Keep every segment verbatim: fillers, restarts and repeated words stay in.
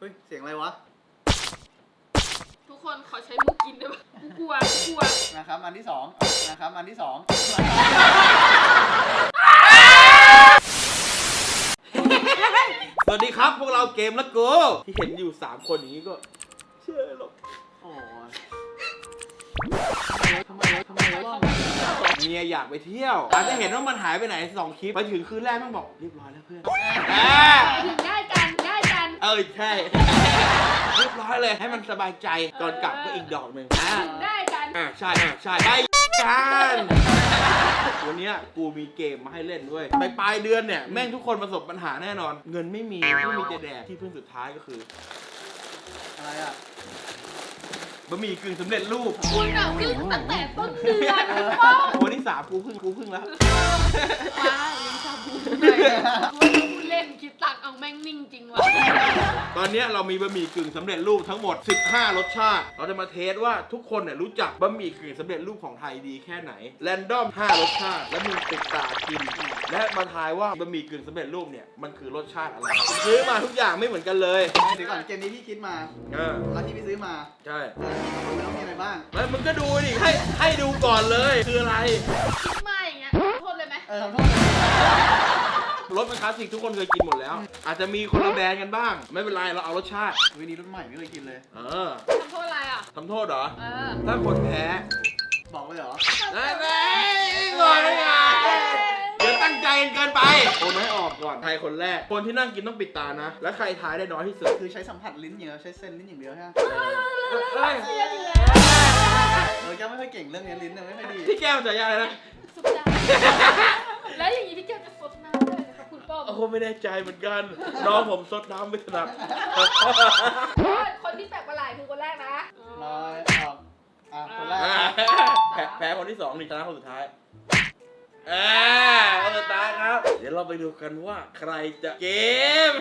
ฮ้ยเสียงอะไรวะทุกคนขอใช้มือกินได้ปะกูกลัวกูกลัวนะครับอันที่สองนะครับอันที่สองสวัสดีครับพวกเราเกมและโกที่เห็นอยู่สามคนอย่างนี้ก็เชื่อหรอกโอ้ยทำไมทำไมวะเมียอยากไปเที่ยวอาจจะเห็นว่ามันหายไปไหนสองคลิปไปถึงคืนแรกมันบอกเรียบร้อยแล้วเพื่อนถึงได้กันได้กันเออใช่เรียบร้อยเลยให้มันสบายใจก่อนกลับก็อีกดอกหนึ่งถึงได้กันอ่าใช่อ่าใช่ได้กันวันนี้กูมีเกมมาให้เล่นด้วยไปปลายเดือนเนี่ยแม่งทุกคนประสบปัญหาแน่นอนเงินไม่มีไม่มีจะแดกที่พึ่งสุดท้ายก็คืออะไรอ่ะบะหมี่กึ่งสำเร็จรูปคุณอ่ะพึ่งตั้งแต่ต้นเดือนป้องวันที่สามกูพึ่งกูพึ่งแล้วว้าวยังชาบูเลยกูเล่นคิดตักเอาแม่งนิ่งจริงวะตอนนี้เรามีบะหมี่กึ่งสำเร็จรูปทั้งหมดสิบห้ารสชาติเราจะมาเทสว่าทุกคนเนี่ยรู้จักบะหมี่กึ่งสำเร็จรูปของไทยดีแค่ไหนแรนดอมห้ารสชาติแล้วมึงติดตากินและมาทายว่าบะหมี่กึ่งสำเร็จรูปเนี่ยมันคือรสชาติอะไรซื้อมาทุกอย่างไม่เหมือนกันเลยเดี๋ยวก่อนเกมนี้พี่คิดมาเออแล้วที่พี่ซื้อมาใช่ไม่ต้องมีอะไรบ้างแล้วมึงก็ดูดิให้ให้ดูก่อนเลยคืออะไรคิดมาอย่างเงี้ยโทษเลยไหมเออโทษรสมันคลาสสิกทุกคนเคยกินหมดแล้วอาจจะมีคนละแบรนด์กันบ้างไม่เป็นไรเราเอารสชาติวันนี้รสใหม่ไม่เคยกินเลยเออทำโทษอะไรอ่ะทำโทษเหรอเออถ้าคนแพ้บอกเลยเหรอได้ไหมงอนไงเดี๋ยวตั้งใจเกินไปโอนให้ออกก่อนใครคนแรกคนที่นั่งกินต้องปิดตานะและใครทายได้น้อยที่สุดคือใช้สัมผัสลิ้นอย่างเดียวใช้เส้นลิ้นอย่างเดียวใช่ไหมเฮ้ยเออแก้วไม่ค่อยเก่งเรื่องนี้ลิ้นเนี่ยไม่ค่อยดีพี่แก้วจะยังไงนะสุดยอดแล้วอย่างนี้พี่แก้วจะซดน้ำได้ไหมครับคุณป้อมโอ้ไม่แน่ใจเหมือนกันน้องผมซดน้ำไม่ถนัดคนที่แปลกประหลาดคือคนแรกนะน้อยออกอ่ะคนแรกแพ้คนที่สองนี่ชนะคนสุดท้ายอ่าคนสุดท้ายครับเดี๋ยวเราไปดูกันว่าใครจะเกม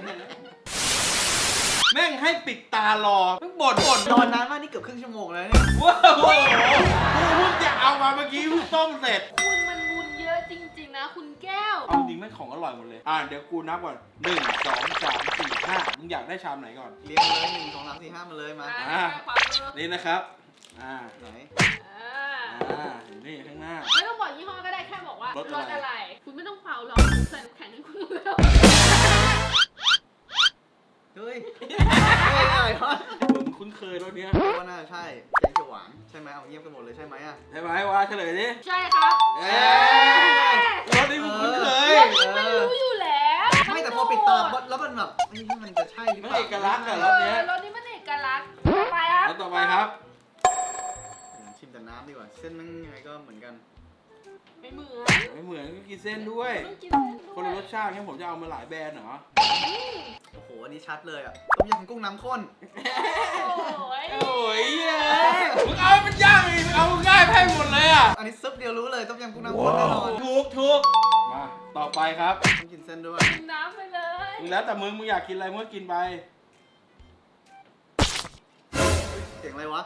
แม่งให้ปิดตารอเพิ่งบ่นบ่นนอนนานมากนี่เกือบครึ่งชั่วโมงแล้วเนี่ยว้าวโอ้โหกูเพิ่งจะเอามาเมื่อกี้เพิ่งต้มเสร็จคุณมันบุญเยอะจริงๆนะคุณแก้วเอาจริงแม่งของอร่อยหมดเลยอ่าเดี๋ยวกูนับก่อนหนึ่งสองสามสี่ห้ามึงอยากได้ชามไหนก่อนเรียงเลยหนึ่งสองสามสี่ห้ามาเลยมาอ่านี่นะครับอ่าไหนอ่านี่ข้างหน้าไม่ต้องบอกยี่ห้อก็ได้แค่บอกว่ารสอะไรคุณไม่ต้องเป่าหรอกใส่น้ำแข็งให้คุณแล้วเฮ้ยอะไรวะผมคุ้นเคยรถเนี้ยว่าน่าใช่แกงเขียวหวานใช่ไหมเอาเงียบกันหมดเลยใช่ไหมอ่ะใช่ไหมว่าเฉลยดิใช่ครับเอ๊ะรถนี้ผมคุ้นเคยไม่รู้อยู่แล้วไม่แต่พอปิดตาแล้วมันแบบนี่มันจะใช่หรือเปล่าเอกลักษณ์อะรถเนี้ยรถนี้มันเอกลักษณ์ต่อไปครับรถต่อไปครับชิมแต่น้ำดีกว่าเส้นมันยังไงก็เหมือนกันไม่เหมือนไม่เหมือนก็กินเส้นด้วยคนละรสชาติงั้นผมจะเอามาหลายแบรนด์เหรอโอ้โหอันนี้ชัดเลยอ่ะต้มยำกุ้งน้ำข้นโอ้ยโอ้ยมึงเอามันยากอีกมึงเอาง่ายแพ้หมดเลยอ่ะอันนี้ซุปเดียวรู้เลยต้มยำกุ้งน้ำข้นแน่นอนถูกถูกมาต่อไปครับต้องกินเส้นด้วยกินน้ำไปเลยแล้วแต่มึงมึงอยากกินอะไรมึงก็กินไปเสียงอะไรวะ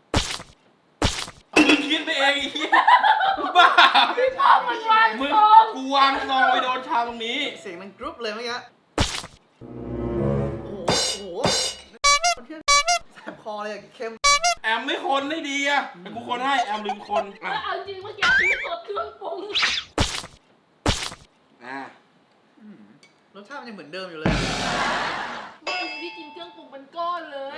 มึงคิดไปเองอีกบ้าพี่ป้อมมันวางมึงกูวางซองไปโดนชาตรงนี้เสียงมันกรุ๊ปเลยเมื่อกี้โอ้โหโอ้โหมันเที่ยแสบคอเลยเค็มแอมไม่คนได้ดีอ่ะกูคนให้แอมลืมคนเอาจริงเมื่อกี้พี่สดเครื่องปรุงอ่ารสชาติมันยังเหมือนเดิมอยู่เลยพี่กินเครื่องปรุงเป็นก้อนเลย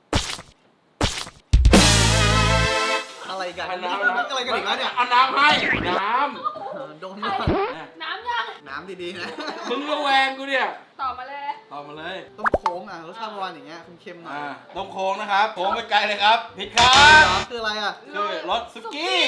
อะไรกันน้ำอะไรกันอีกแล้วเนี่ยเอาน้ำให้น้ำโดนน้ำน้ำยังน้ำดีๆนะมึงระแวงกูเนี่ยต่อมาเลยต่อมาเลยต้มโค้งอ่ะรสชาติประมาณอย่างเงี้ยเค็มๆหน่อยต้มโค้งนะครับโค้งไปไกลเลยครับผิดครับคืออะไรอ่ะคือรสซุกี้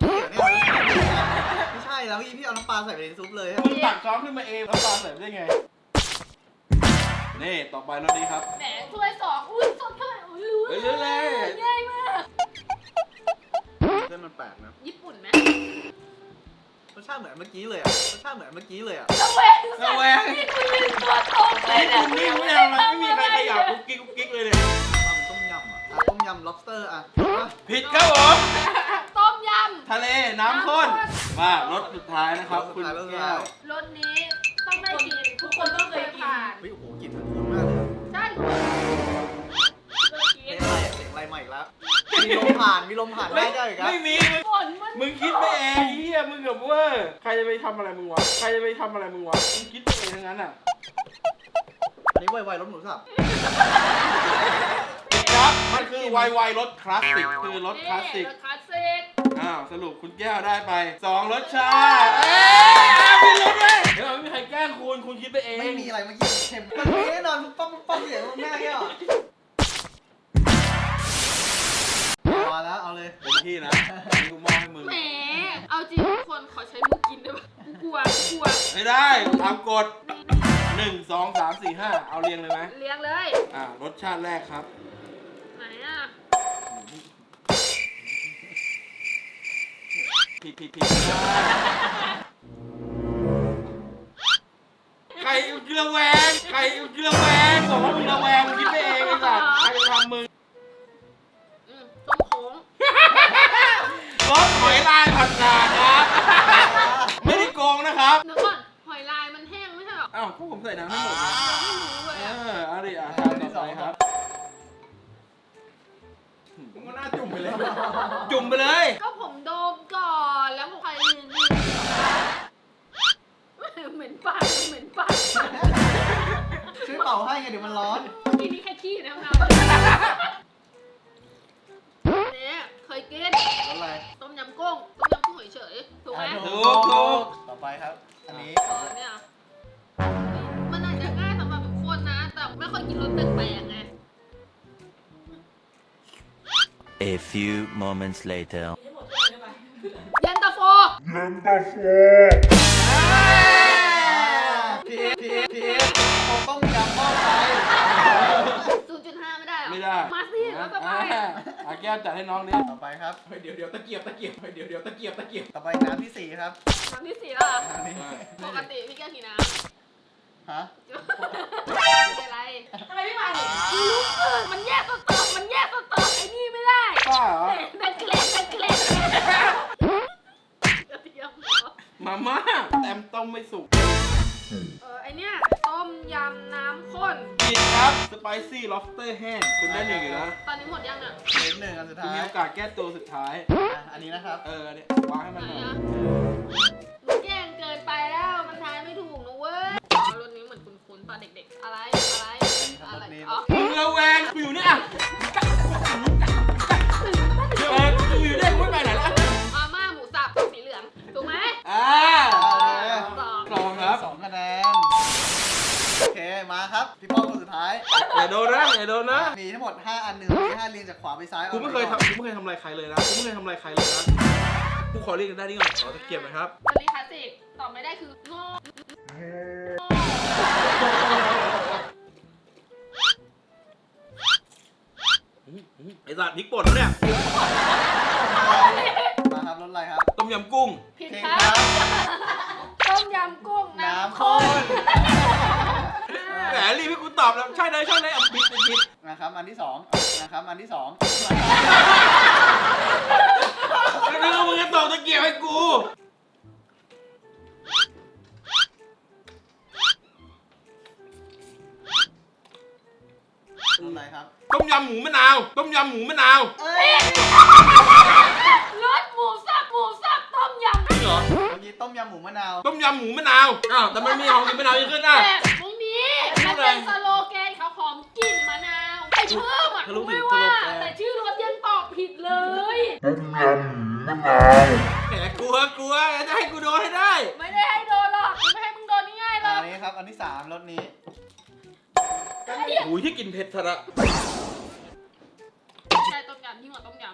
ไม่ใช่แล้วพี่พี่เอาน้ำปลาใส่ไปในซุปเลยมึงตักช้อนขึ้นมาเองน้ำปลาใส่ได้ไงนี่ต่อไปรสนี้ครับแหมถ้วยสองอุ้ยสดเท่าไหร่อุ้ยรู้เลยง่ายมากเส้นมันแปลกนะญี่ปุ่นไหมรสชาติเหมือนเมื่อกี้เลยอ่ะรสชาติเหมือนเมื่อกี้เลยอ่ะระแวงระแวงนี่คุณลืมตัวตรงเลยเนี่ยคุณนี่ไม่เอาอะไรไม่มีใครขยับกุ๊กกิ๊กกุ๊กกิ๊กเลยเนี่ยมันต้มยำอ่ะต้มยำ lobster อ่ะผิดครับผมต้มยำทะเลน้ำข้นมารสสุดท้ายนะครับคุณแก้วรสนี้ต้องได้กินทุกคนต้องเคยกินเฮ้ยโอ้โหกลิ่นมันคุ้นมากเลยใช่ผ่านมีลมผ่านได้ได้อีกครับไม่มีฝนมันมึงคิดไปเองไอ้เฮียมึงกับเว่าใครจะไปทำอะไรมึงวะใครจะไปทำอะไรมึงวะมึงคิดไปเองทั้งนั้นอ่ะอันนี้ไวๆรถหมูสับครับมันคือไวไวรถคลาสสิกคือรถคลาสสิกรถคลาสสิกอ้าวสรุปคุณแก้วได้ไปสองรสชาติเอ้ยมีรสเลยเดี๋ยวไม่มีใครแกล้งคุณคุณคิดไปเองไม่มีอะไรเมื่อกี้เค็มมันมีแน่นอนปั๊บปั๊บเสียงแม่แก้วมาแล้วเอาเลยเต็มที่นะนี่กูมอบให้มึงแหมเอาจริงทุกคนขอใช้มือกินได้ปะกูกลัวกูกลัวไม่ได้ตามกฎหนึ่งสองสามสี่ห้าเอาเรียงเลยไหมเลี้ยงเลยอ่ารสชาติแรกครับไหนอ่ะผิดผิดผิดใครกระแวงใครกระแวงบอกว่ามึงระแวงมึงคิดไปเองไอ้สัสใครจะทำมึงอืมต้มโค้งรสหอยลายผัดฉ่าครับ ไม่ได้โกงนะครับเดี๋ยวก่อนหอยลายมันแห้งไม่ใช่หรออ้าวก็ผมใส่น้ำให้หมดนะไม่รู้เลยเออ่ะอเอาดิอ่ะทานต่อไปครับมึงก็น่าจุ่มไปเลย จุ่มไปเลยก็ผมโดมก่อนแล้วผมใครลืมลืมเหม็นปากเหม็นปากช่วยเป่าให้ไงเดี๋ยวมันร้อนเมื่อกี้นี่แค่ขี้นะครัเนี่ยเคยกินอะไรต้มยำกุ้งต้มยำกุ้งเฉยๆถูกไหมถูกถูกต่อไปครับ อันนี้เออเนี่ยมันอาจจะง่ายสำหรับทุกคนนะ แต่ไม่ค่อยกินรสแปลกๆไง A few moments later. เย็นตาโฟพีพีพีโคต้มยำหม้อไฟศูนย์จุดห้าไม่ได้หรอไม่ได้มาสิแล้วต่อไปอ่ะอาแก้วจัดให้น้องดิต่อไปครับเดี๋ยวเดี๋ยวตะเกียบตะเกียบเดี๋ยวเดี๋ยวตะเกียบตะเกียบต่อไปน้ำที่สี่ครับน้ำที่สี่แล้วเหรออันนี้ปกติพี่แก้วกี่น้ฮะำเป็นอะไรทำไมไม่มาเนี่ยรู้สึกมันแยกสเตอร์มันแยกสเตอร์ไอ้นี่ไม่ได้ป้าเหรอดันเกล็ดดันเกล็ดกระเทียมเหรอมาม่าแต้มต้มไม่สุกเออไอเนี้ยต้มยำน้ำข้นผิดครับสไปซี่ล็อบสเตอร์แห้งคุณได้หนึ่งอยู่นะตอนนี้หมดยังอ่ะเหลือหนึ่งอันสุดคุณท้ายมีโอกาสแก้ตัวสุดท้ายอ่ะอันนี้นะครับเออเนี่ยวางให้มันไหนหน่อยอ่ะหนูแย่งเกินไปแล้วมันทายไม่ถูกนะเว้ยอ๋อรสนี้เหมือนคุ้นๆตอนเด็กๆ อะไรอะไรอะไรอ๋อมึงระแวงกูอยู่เนี่ยเออกูอยู่เนี่ยกูไม่ไปไหนแล้วมาม่าหมูสับสีเหลืองถูกไหมอ่าสองลองครับสองคะแนน โอเค มาครับ พี่ป้องคนสุดท้ายอย่าโดนนะอย่าโดนนะมีทั้งหมดห้าอันหนึ่งมีห้าเรียงจากขวาไปซ้ายกูไม่เคยทำกูไม่เคยทำอะไรใครเลยนะกูไม่เคยทำอะไรใครเลยนะกูขอเรียกกันได้นี่ก่อนขอตะเกียบหน่อยครับวันนี้คลาสสิกตอบไม่ได้คือโง่ไอ้สัตว์พริกป่นแล้วเนี่ยมาครับรถอะไรครับต้มยำกุ้งผิดเพลงคครัรับบ ต้มยำกุ้งน้ำน้ำข้ข้นนแหมรีบให้กูตอบแล้วใช่เลยใช่เลยเอาผิดผิดผิดนะครับ อันที่สองนะครับ อันที่สองแล้วนึกว่ามึงจะตอบตะเกียบให้กูรถอะไรครับต้มยำหมูมะนาว ต้มยำหมูมะนาวเอ้ยรสหมูสับหมูสับต้มยำจริงเหรอเมื่อกี้ต้มยำหมูมะนาวต้มยำหมูมะนาวอ้าวแต่มันมีของกินมะนาวเยอะขึ้นอ่ะแต่ไม่มีมันเป็นสโลแกนเขาของกลิ่นมะนาวไอ้เพิ่มอ่ะกูไม่ว่าแต่ชื่อรสยังตอบผิดเลยแหมกลัวกลัวจะให้กูโดนให้ได้ไม่ได้ให้โดนหรอกไม่ให้มึงโดนง่ายๆหรอัอกนนี้ครับ อันที่สามรถนี้โอ้ยที่กินเผ็ดทะละใช่ต้มยำยิ่งกว่าต้มย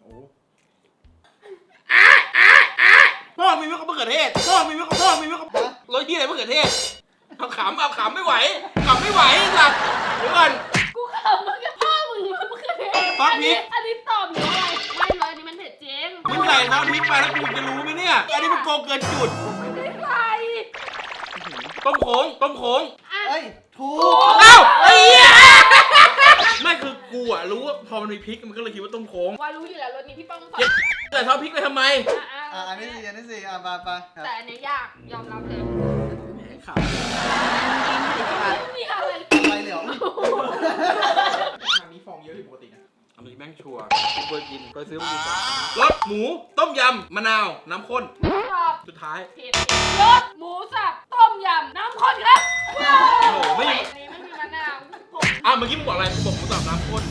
พ่อมีมะเขือเทศพ่อมีมะพ่อมีมะรสที่อะไรมะเขือเทศเอาขำเอาขำไม่ไหวขำไม่ไหวสัตว์เดี๋ยวก่อนำกูขำมึงกับพ่อมึงมันคือเผ็ดฟักพริอันนี้กอันนี้ตอบหนูอะไรไม่เลยอันนี้มันเผ็ดจริงมึงใส่น้ำพริกไปแล้วกูจะรู้ไหมเนี่ยอันนี้มันโกงเกินจุดไม่ได้ใส่ต้มโขงต้มโขงอ่ะเอ้ย ถูกเอ้าไอ้เหี้ยไม่คือกูอะรู้ว่าพอมันมีพริกมันก็เลยคิดว่าต้มโขงวารู้อยู่แล้วรสนี้พี่ป้องตอบแต่ทอดพริกไปทำไมอ่ะอ่ะอ่ะ อันที่สี่อันที่สี่อ่ะไปไปครับแต่อันนี้ยากยอมรับเลยแหมขำไม่มีอะไรไปเหลียวทางนี้ฟองเยอะผิดปกตินะเอามือแม่งชัวร์กูเคยกินเคยซื้อมากินก่อนรสหมูต้มยำมะนาวน้ำข้นตอบสุดท้ายผิดรสหมูสับต้มยำน้ำข้นครับโอ้โหไม่อันนี้ไม่มีมะนาวผมอ้าวเมื่อกี้มึงบอกอะไรมึงบอกหมูสับน้ำข้น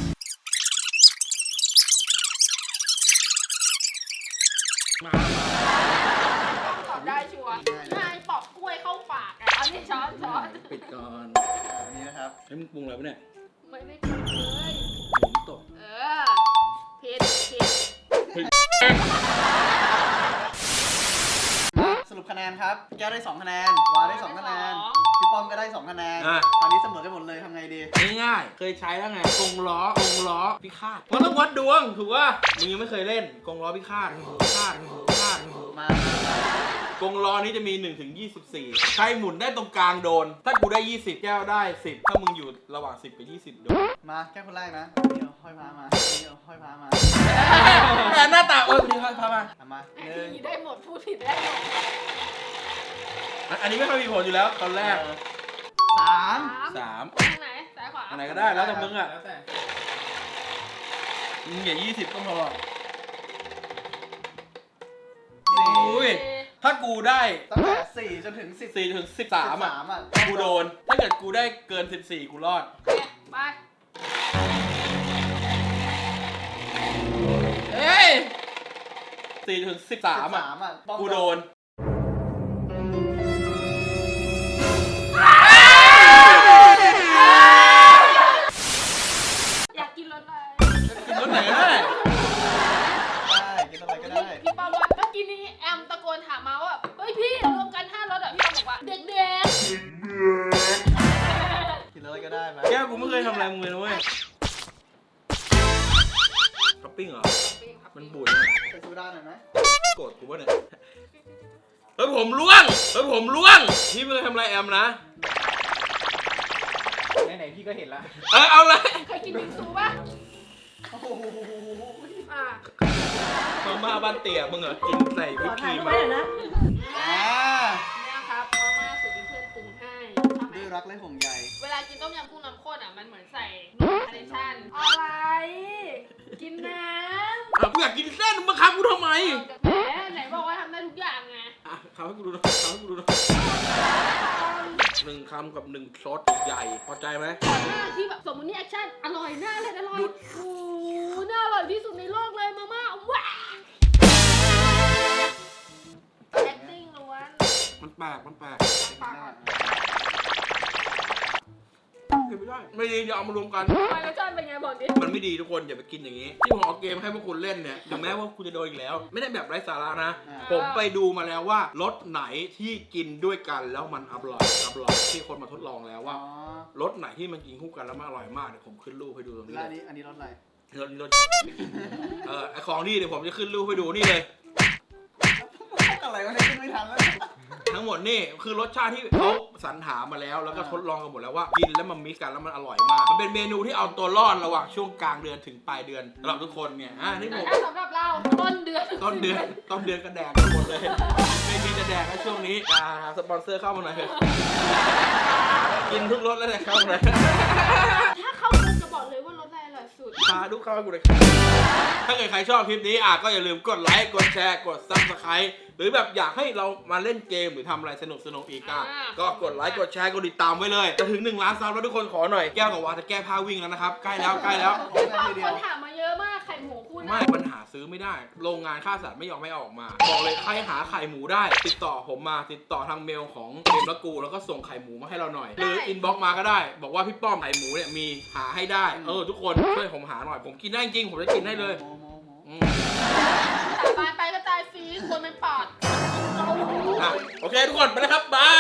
มาตอบได้ชัวร์นายปอกกล้วยเข้าปากอ่ะอันนี้ช้อนช้อนปิดก่อนอันนี้นะครับให้มึงปรุงอะไรปะเนี่ยไม่ได้กินเลยหมูตกเออผิดผิดสรุปคะแนนครับแก้วได้สองคะแนนวาได้สองคะแนนพี่ป้อมก็ได้สองคะแนนตอนนี้เสมอกันหมดเลยทำไงดีง่ายๆเคยใช้แล้วไงกงล้อกงล้อพิฆาตมันต้องวัดดวงถูกป่ะมึงยังไม่เคยเล่นกงล้อพิฆาตพิฆาตพิฆาตมากงล้อนี้จะมีหนึ่งถึงยี่สิบสี่ใครหมุนได้ตรงกลางโดนถ้ากูได้ยี่สิบแก้วได้สิบถ้ามึงอยู่ระหว่างสิบกับยี่สิบโดนมาแก้วคนแรกนะเดี๋ยวห้อยพามาเดี๋ยวห้อยพามาแต่หน้าตาเออดีครับพามาเอามาอันหนึ่งนี้ได้หมดพูดผิดได้หมดอันนี้ไม่ค่อยมีผลอยู่แล้วตอนแรกสามสามทางไหนซ้ายขวาอันไหนก็ได้แล้วแต่มึงอ่ะแล้วแต่มึงอย่ายี่สิบก็พอสี่อุ้ยถ้ากูได้ตั้งแต่สี่จนถึงสิบสี่ถึงสิบสามอ่ะอ่ะกูโดนถ้าเกิดกูได้เกินสิบสี่กูรอดโอเคไปเอ้ยสี่ถึงสิบสามอ่ะสามอ่ะป้อมกูโดนอยากกินรสอะไรกินรถไหนก็ได้ได้กินอะไรก็ได้พี่ปอมว่าเมื่อกี้นี้แอมตะโกนถามมาว่าเฮ้ยพี่รวมกันห้ารสอ่ะพี่ปอมบอกว่าเด็กกินอะไรก็ได้ไหมแก้วกูไม่เคยทำอะไรมึงเลยนะเว้ยท็อปปิ้งเหรอๆมันบูดเนี่ยใส่โซดาหน่อยไหมโกรธกูป่ะเนี่ย เฮ้ยผมล่วง เฮ้ยผมล่วง พี่ไม่เคยทำอะไรแอมนะไหนๆพี่ก็เห็นละเออเอาเลยเคยกินบิงซูป่ะโอ้โหอ่ามาม่าบ้านเตี๋ยมึงเหรอ กินใส่วิปครีมอ่าเนี่ยครับมาม่าสูตรที่เพื่อนปรุงให้ชอบไหมด้วยรักและห่วงใยเวลากินต้มยำกุ้งน้ำข้นอ่ะมันเหมือนใส่นมคาร์เนชั่นอะไร กินน้ำอ่ะกูอยากกินเส้นมึงมาคับกูทำไมแหมไหนบอกว่าทำได้ทุกอย่างไงอ่ะคำให้กูดูหน่อยคำให้กูดูหน่อยหนึ่งคำกับหนึ่งซอสใหญ่พอใจไหมก่อนหน้าที่แบบสมมตินี่แอคชั่นอร่อยน่าเลยอร่อยโอ้โหน่าอร่อยที่สุดในโลกเลยมาม่าว้า acting ล้วนมันแปลก มันแปลกปากก่อนกินไม่ได้ ไม่ดีอย่าเอามารวมกันทำไมรสชาติเป็นไงบอกดิมันไม่ดีทุกคนอย่าไปกินอย่างนี้ ที่ผมเอาเกมให้พวกคุณเล่นเนี่ยถึงแม้ว่าคุณจะโดนอีกแล้ว ไม่ได้แบบไร้สาระนะ ผมไปดูมาแล้วว่ารสไหนที่กินด้วยกันแล้วมันอร่อยอร่อยที่คนมาทดลองแล้วอ๋ว่าอรสไหนที่มันกินคู่กันแล้วมันอร่อยมากเดี๋ยวผมขึ้นรูปให้ดูตรงนี้แล้วเลอันยนี้อันนี้รสอะไรรสรสเออไอของนี่เดี๋ยวผมจะขึ้นรูปให้ดูนี่เลยอะไรวะเนี่ยขึ้นไม่ทันแล้วทั้งหมดนี่คือรสชาติที่เขาสรรหามาแล้วแล้วก็ทดลองกันหมดแล้วว่ากินแล้วมันมิกซ์กันแล้วมันอร่อยมากมันเป็นเมนูที่เอาตัวรอดระหว่างช่วงกลางเดือนถึงปลายเดือนสำหรับทุกคนเนี่ยอ่านี่แต่ผมถ้าสำหรับเราต้นเดือนต้นเดือนต้นเดือนก็แดกกันหมดเลย ไม่มีจะแดกในช่วงนี้อ่าสปอนเซอร์เข้ามาหน่อยเถอะกินทุกรสแล้วเนี่ยเข้ามาหน่อยถ้าเขาจะบอกเลยว่ารสอะไรอร่อยสุดพาทุกเข้ามากูเลยถ้าเกิดใครชอบคลิปนี้อ่ะก็อย่าลืมกดไลค์กดแชร์กดซับสไครต์หรือแบบอยากให้เรามาเล่นเกมหรือทำอะไรสนุกสนุกอีกอ่ะก็กดไลค์กดแชร์กดติดตามไว้เลยจะถึงหนึ่งล้านซับแล้วทุกคนขอหน่อยแก้วกับวาจะแก้ผ้าวิ่งแล้วนะครับใกล้แล้วใกล้แล้วพร้อมกันทีเดีคยวนถามมาเยอะมากไข่หมูคู่ไม่นะมันหาซื้อไม่ได้ โรงงานฆ่าสัตว์ไม่ยอมให้เอาออกมา บอกเลยใครหาไข่หมูได้ ติดต่อผมมา ติดต่อทางเมลของเกมละกู แล้วก็ส่งไข่หมูมาให้เราหน่อย หรืออินบ็อกมาก็ได้ บอกว่าพี่ป้อมไข่หมูเนี่ยมีหาให้ได้ เออทุกคนช่วยผมหาหน่อย ผมกินได้จริง ผมจะกินได้เลยโมโมโมอืมตายไปก็ตายฟรีคนเป็นปอดอ่ะโอเคทุกคนไปแล้วครับ บาย